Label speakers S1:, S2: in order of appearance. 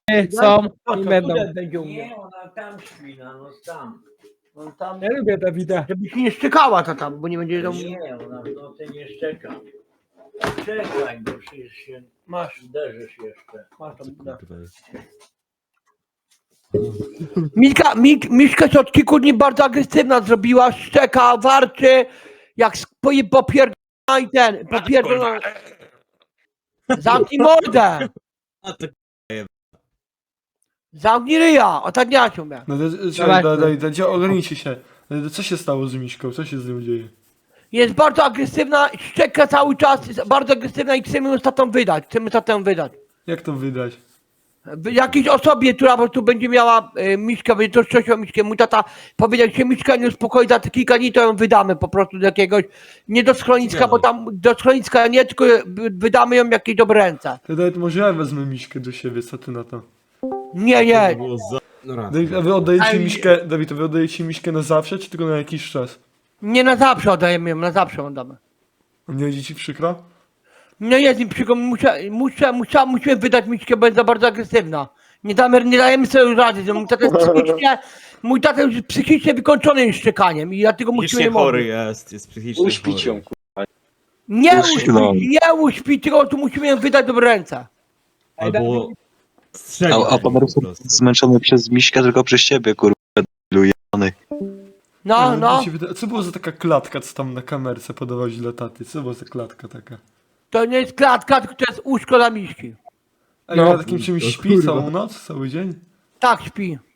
S1: są
S2: No
S1: i
S2: to
S1: będą.
S2: tutaj będzie u mnie.
S3: Nie, ona tam śpi, no tam.
S2: No tam,
S1: Ja lubię Dawida.
S2: żeby się nie szczekała ta tam, bo nie będzie tam...
S3: Nie, ona w nocy nie szczeka. Czekaj, bo przecież się
S2: Masz,
S3: uderzysz jeszcze.
S2: masz tam. Da. Miszka się od kilku dni bardzo agresywna zrobiła, szczeka, warczy, jak popierdolona i ten, popierdolona. Zamknij mordę!
S4: A to
S2: Zamknij ryja, o tak nie się.
S5: No to,
S1: Zobaczmy.
S5: ogarnijcie się. Co się stało z Miśką? Co się z nią dzieje?
S2: Jest bardzo agresywna, szczeka cały czas, jest bardzo agresywna i chcemy ją tatą wydać,
S5: Jak to wydać?
S2: Jakiejś osobie, która po prostu będzie miała Miszkę, będzie troszczyć o Miszkę. Mój tata powiedział, że się Miszka nie uspokoi za te kilka dni, to ją wydamy po prostu do jakiegoś, nie do schroniska, bo tam do schroniska nie, tylko wydamy ją w jakieś dobre ręce.
S5: To nawet może ja wezmę Miśkę do siebie, co ty na to?
S2: Nie,
S4: było za... No raz.
S5: Dawid, a wy oddajecie
S2: Ej.
S5: Miśkę, Dawid, a wy oddajecie Miśkę na zawsze, czy tylko na jakiś czas?
S2: nie na zawsze oddajemy ją, na zawsze ją damy.
S5: A nie będzie ci przykro?
S2: No jest mi przykro, musimy wydać Miszkę, bo jest za bardzo agresywna. Nie dajemy sobie rady, że mój tata już jest psychicznie wykończony już szczekaniem i dlatego musimy
S4: Psychicznie
S2: ją
S4: chory
S2: oddać.
S4: jest psychicznie
S6: Uśpić
S4: chory.
S6: ją,
S2: Nie
S6: Uśpić.
S2: nie uśpić, tylko tu musimy ją wydać w dobre ręce.
S4: Albo strzelić
S6: A pan
S4: po
S6: Rufus
S4: prostu.
S6: zmęczony przez Miśkę, tylko przez ciebie, kurwa, lujany.
S2: No.
S5: Mi się wydaje- Co było za taka klatka, co tam na kamerce podawać dla taty? Co była za klatka taka?
S2: To nie jest klatka, tylko to jest łóżko dla Miszki.
S5: A
S1: No.
S5: ja na takim czymś śpi całą noc, cały dzień?
S2: Tak śpi.